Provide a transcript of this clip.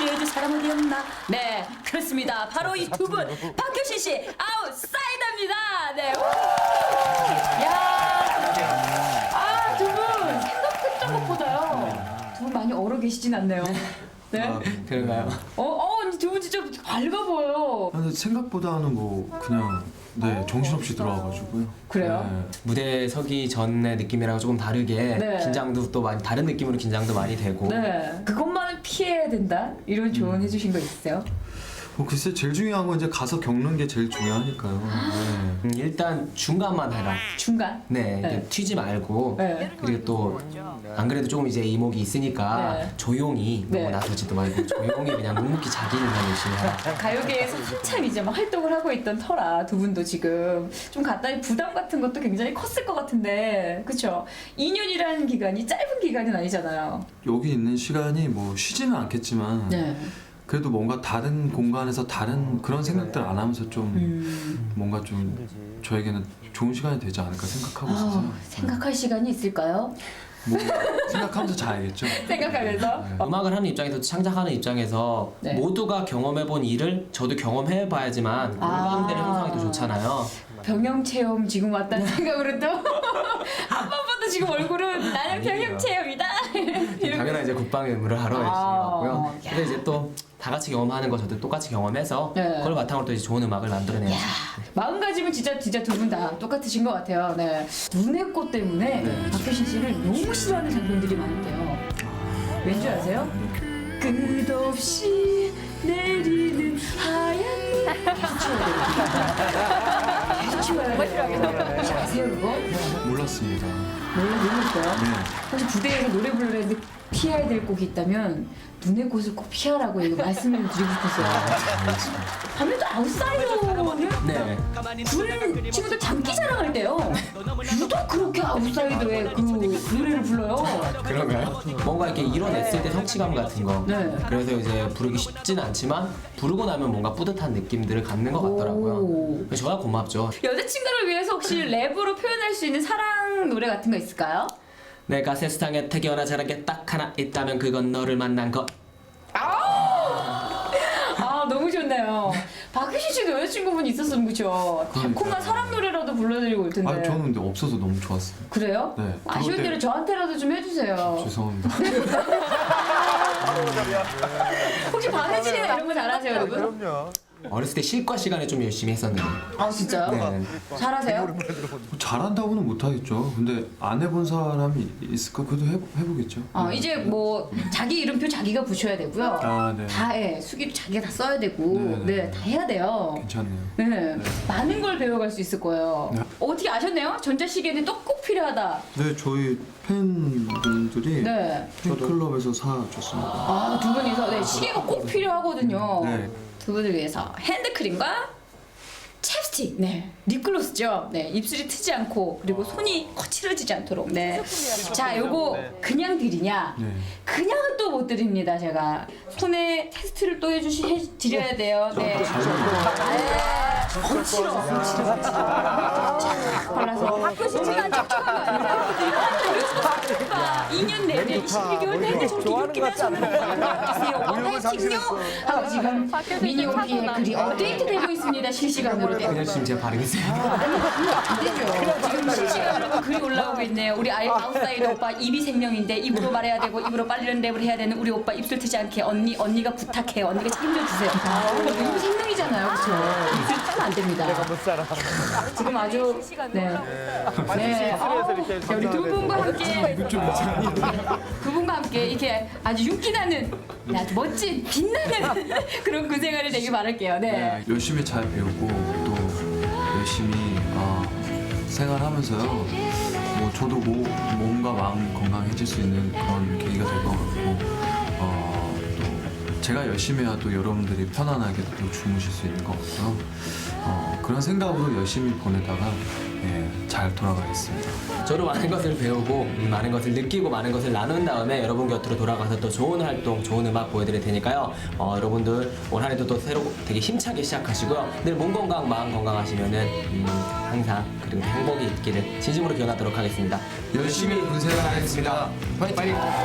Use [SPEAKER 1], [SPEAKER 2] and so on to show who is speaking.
[SPEAKER 1] 알려줄 사람 어디 없나? 네, 그렇습니다. 바로 이 두 분, 박효신 씨, 아웃사이더입니다. 네. 우! 야, 두 분 생각했던 것보다요. 두 분 많이 얼어 계시진 않네요. 네.
[SPEAKER 2] 아, 그런가요?
[SPEAKER 1] 두 분 진짜 밝아 보여요.
[SPEAKER 3] 근데 생각보다는 뭐 그냥 정신없이 들어와가지고요.
[SPEAKER 1] 그래요?
[SPEAKER 3] 네.
[SPEAKER 2] 무대에 서기 전의 느낌이랑 조금 다르게
[SPEAKER 1] 네.
[SPEAKER 2] 긴장도 또 많이 다른 느낌으로 긴장도 많이 되고.
[SPEAKER 1] 네. 그것만은 피해야 된다. 이런 조언 해주신 거 있으세요?
[SPEAKER 3] 글쎄 제일 중요한 건 이제 가서 겪는 게 제일 중요하니까요. 네.
[SPEAKER 2] 일단 중간만 해라.
[SPEAKER 1] 중간.
[SPEAKER 2] 네, 이게
[SPEAKER 1] 네.
[SPEAKER 2] 튀지 말고.
[SPEAKER 1] 네.
[SPEAKER 2] 그리고 또 안 그래도 조금 이제 이목이 있으니까
[SPEAKER 1] 네.
[SPEAKER 2] 조용히
[SPEAKER 1] 네.
[SPEAKER 2] 너무 나서지도 말고 조용히 그냥 묵묵히 자기 일만 열심히 하라.
[SPEAKER 1] 가요계에서 한참 이제 막 활동을 하고 있던 터라 두 분도 지금 좀 간단히 부담 같은 것도 굉장히 컸을 것 같은데, 그렇죠? 2년이라는 기간이 짧은 기간은 아니잖아요.
[SPEAKER 3] 여기 있는 시간이 뭐 쉬지는 않겠지만
[SPEAKER 1] 네.
[SPEAKER 3] 그래도 뭔가 다른 공간에서 다른 그런 생각들 안 하면서 좀 뭔가 좀 저에게는 좋은 시간이 되지 않을까 생각하고 있어서
[SPEAKER 1] 생각할 시간이 있을까요?
[SPEAKER 3] 뭐 생각하면서 자야겠죠.
[SPEAKER 1] 생각하면서.
[SPEAKER 2] 음악을 하는 입장에서 창작하는 입장에서
[SPEAKER 1] 네.
[SPEAKER 2] 모두가 경험해본 일을 저도 경험해봐야지만 공감대를 형성하기 더 좋잖아요.
[SPEAKER 1] 병영 체험 지금 왔다는 생각으로 또 한 번부터 지금 얼굴은 나는 병영 체험이다.
[SPEAKER 2] 당연히 이제 국방 의무를 하러 열심히 왔고요. 근데 이제 또 다 같이 경험하는 거 저도 똑같이 경험해서
[SPEAKER 1] 네.
[SPEAKER 2] 그걸 바탕으로 또 이제 좋은 음악을 만들어내야지.
[SPEAKER 1] 마음가짐은 진짜 두 분 다 똑같으신 것 같아요. 네. 눈의 꽃 때문에
[SPEAKER 3] 네.
[SPEAKER 1] 박효신 씨를 너무 싫어하는 장면들이 많은데요. 왠지 아세요? 끝없이 내리는 하얀 계속 치워야 돼요. 혹시 아세요 그거?
[SPEAKER 3] 몰랐습니다.
[SPEAKER 1] 몰랐어요?
[SPEAKER 3] 네.
[SPEAKER 1] 혹시 부대에서 노래 부르는데 피해야 될 곡이 있다면 눈의 꽃을 꼭 피하라고 이거 말씀을 드리고 싶었어요. 아무래도 아웃사이더는
[SPEAKER 2] 네.
[SPEAKER 1] 군 친구들 장기 자랑할 때요. 유독 그렇게 아웃사이더의 그 노래를 불러요.
[SPEAKER 2] 그런가요? 뭔가 이렇게 이뤄냈을 때 성취감 같은 거.
[SPEAKER 1] 네.
[SPEAKER 2] 그래서 이제 부르기 쉽진 않지만 부르고 나면 뭔가 뿌듯한 느낌들을 갖는 것 같더라고요.
[SPEAKER 1] 오.
[SPEAKER 2] 그래서 저야 고맙죠.
[SPEAKER 1] 여자친구를 위해서 혹시 랩으로 표현할 수 있는 사랑 노래 같은 거 있을까요?
[SPEAKER 2] 내가 세상에 태어나 자란 게 딱 하나 있다면 그건 너를 만난 것.
[SPEAKER 1] 아 너무 좋네요. 박효신 씨도 여자친구분 있었으면 그쵸? 달콤한 사랑 노래라도 불러드리고 올 텐데.
[SPEAKER 3] 아 저는 근데 없어서 너무 좋았어요.
[SPEAKER 1] 그래요?
[SPEAKER 3] 네.
[SPEAKER 1] 아쉬운
[SPEAKER 3] 그럴 때-
[SPEAKER 1] 대로 저한테라도 좀 해주세요.
[SPEAKER 3] 죄송합니다.
[SPEAKER 1] 혹시 박혜진이나 이런 거 잘하세요 여러분?
[SPEAKER 4] 그럼요.
[SPEAKER 2] 어렸을 때 실과 시간에 좀 열심히 했었는데.
[SPEAKER 1] 아 진짜요?
[SPEAKER 2] 네.
[SPEAKER 1] 잘하세요?
[SPEAKER 3] 뭐 잘한다고는 못하겠죠. 근데 안 해본 사람이 있을까? 그래도 해보겠죠.
[SPEAKER 1] 이제 뭐 자기 이름표 자기가 붙여야 되고요.
[SPEAKER 3] 아, 네.
[SPEAKER 1] 다 수기도 자기가 다 써야 되고,
[SPEAKER 3] 네,
[SPEAKER 1] 네, 다 해야 돼요.
[SPEAKER 3] 괜찮네요.
[SPEAKER 1] 네, 많은 걸 배워갈 수 있을 거예요.
[SPEAKER 3] 네.
[SPEAKER 1] 어떻게 아셨네요? 전자시계는 또 꼭 필요하다.
[SPEAKER 3] 네, 저희 팬분들이
[SPEAKER 1] 네.
[SPEAKER 3] 팬클럽에서 사줬습니다.
[SPEAKER 1] 아, 두 분이서 네, 시계가 꼭 필요하거든요.
[SPEAKER 3] 네.
[SPEAKER 1] 두 분을 위해서 핸드크림과 챕스틱, 네, 립글로스죠. 네, 입술이 트지 않고 그리고 손이 거칠어지지 않도록. 네. 자, 요거 그냥 드리냐?
[SPEAKER 3] 네.
[SPEAKER 1] 그냥은 또 못 드립니다. 제가 손에 테스트를 또 드려야 돼요. 네. 거칠어. 발라서 박효신이가 촉촉한 거 아니라 2년 내내 22개월 내내 저렇게 이렇게만 손을 하세요. 어떻게요? 하고 지금 미니홈피에 글이 업데이트되고 있습니다. 실시간으로. 네.
[SPEAKER 2] 그냥 지금 제가 바르겠어요.
[SPEAKER 1] 안 되죠. 지금 실시간으로 글이 올라오고 있네요. 우리 아웃사이더 오빠 입이 생명인데 입으로 말해야 되고 입으로 빨리는 랩을 해야 되는 우리 오빠 입술 트지 않게 언니가 부탁해요. 언니가 책임져 주세요. 입이 생명이잖아요. 그렇죠? 입술 트면 안 됩니다.
[SPEAKER 4] 못 살아.
[SPEAKER 1] 지금 아주 네. 네. 우리 두 분과 함께 두 분과 함께 이렇게 아주 윤기나는 아주 멋진 빛나는 그런 군 생활을 되길 바랄게요. 네.
[SPEAKER 3] 열심히 잘 배우고 또 열심히 생활하면서요. 뭐 저도 몸과 마음 건강해질 수 있는 그런 계기가 될 것 같고 또 제가 열심히 해야 또 여러분들이 편안하게 또 주무실 수 있는 것 같고요. 그런 생각으로 열심히 보내다가 잘 돌아가겠습니다.
[SPEAKER 2] 저도 많은 것을 배우고 많은 것을 느끼고 많은 것을 나눈 다음에 여러분 곁으로 돌아가서 또 좋은 활동, 좋은 음악 보여드릴 테니까요. 여러분들 올 한 해도 또 새로 되게 힘차게 시작하시고요. 늘 몸 건강, 마음 건강하시면은 항상 그리고 행복이 있기를 진심으로 기원하도록 하겠습니다.
[SPEAKER 3] 열심히 군생활하겠습니다. 파이팅!